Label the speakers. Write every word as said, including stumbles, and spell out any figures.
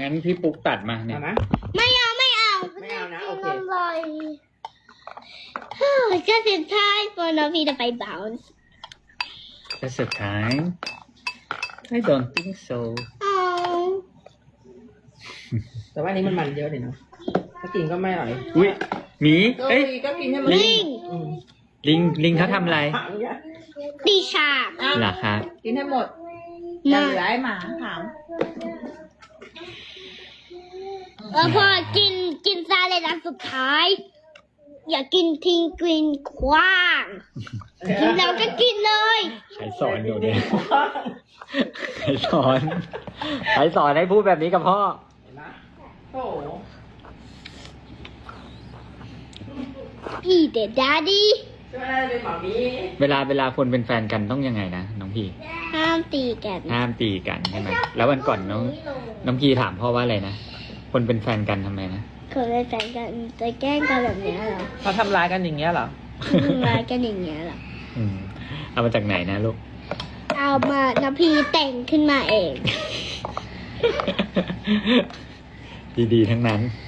Speaker 1: งั้นพี่ปุ๊กตัดมาเนี่ย
Speaker 2: เอาไหม
Speaker 3: ไม่เอาไม่เอา
Speaker 2: ไม่เอานะโอเค
Speaker 3: อร่อยเฮ้ยก็สุดท้ายพอน้องพี่จะไปบาวน์
Speaker 1: จะสุดท้าย I don't think so
Speaker 3: เอา
Speaker 2: แต่ว่าอันนี้มันมันเยอะเลยเนาะถ้ากินก็ไม่อร่อย
Speaker 1: อุ้ยหมี
Speaker 2: เอ้
Speaker 1: เอ้
Speaker 2: ย
Speaker 1: ย
Speaker 2: ก็กินให้มัน
Speaker 3: ลิง
Speaker 2: อืม
Speaker 1: ลิงลิงเขาทำอะไร
Speaker 2: ถามเนี่ย
Speaker 3: ตีฉาก
Speaker 1: เหรอครับ
Speaker 2: กินให้หมด
Speaker 3: มา
Speaker 2: เหลือให้หมาถาม
Speaker 3: เออพอกินกินซาเลดอันสุดท้าย อย่ากินทิ้งกินคว้างกินแล้วก็กินเลย
Speaker 1: ใครสอนหนูเนี่ยใครสอนใครสอนให้พูดแบบนี้กับพ่อ
Speaker 2: เห็นไหมโอ้โห
Speaker 3: อีเดดดาดี้
Speaker 2: ช่วยเป็นหมามี
Speaker 1: เวลาเวลาคนเป็นแฟนกันต้องยังไงนะน้องพี่
Speaker 3: ห้ามตีกัน
Speaker 1: ห้ามตีกันใช่ไหมแล้ววันก่อนน้องน้องพี่ถามพ่อว่าอะไรนะคนเป็นแฟนกันทำไมนะ
Speaker 3: คนเป็นแฟนกันจะแกล้งกันแบบเนี้ยเหรอ
Speaker 2: เขาทำร้ายกันอย่างเงี้ยเหรอ
Speaker 3: ทำร้ายกันอย่างเงี้ยเหรอ
Speaker 1: อืมเอามาจากไหนนะลูก
Speaker 3: เอามาน้ำพีแต่งขึ้นมาเอง
Speaker 1: ดีๆทั้งนั้น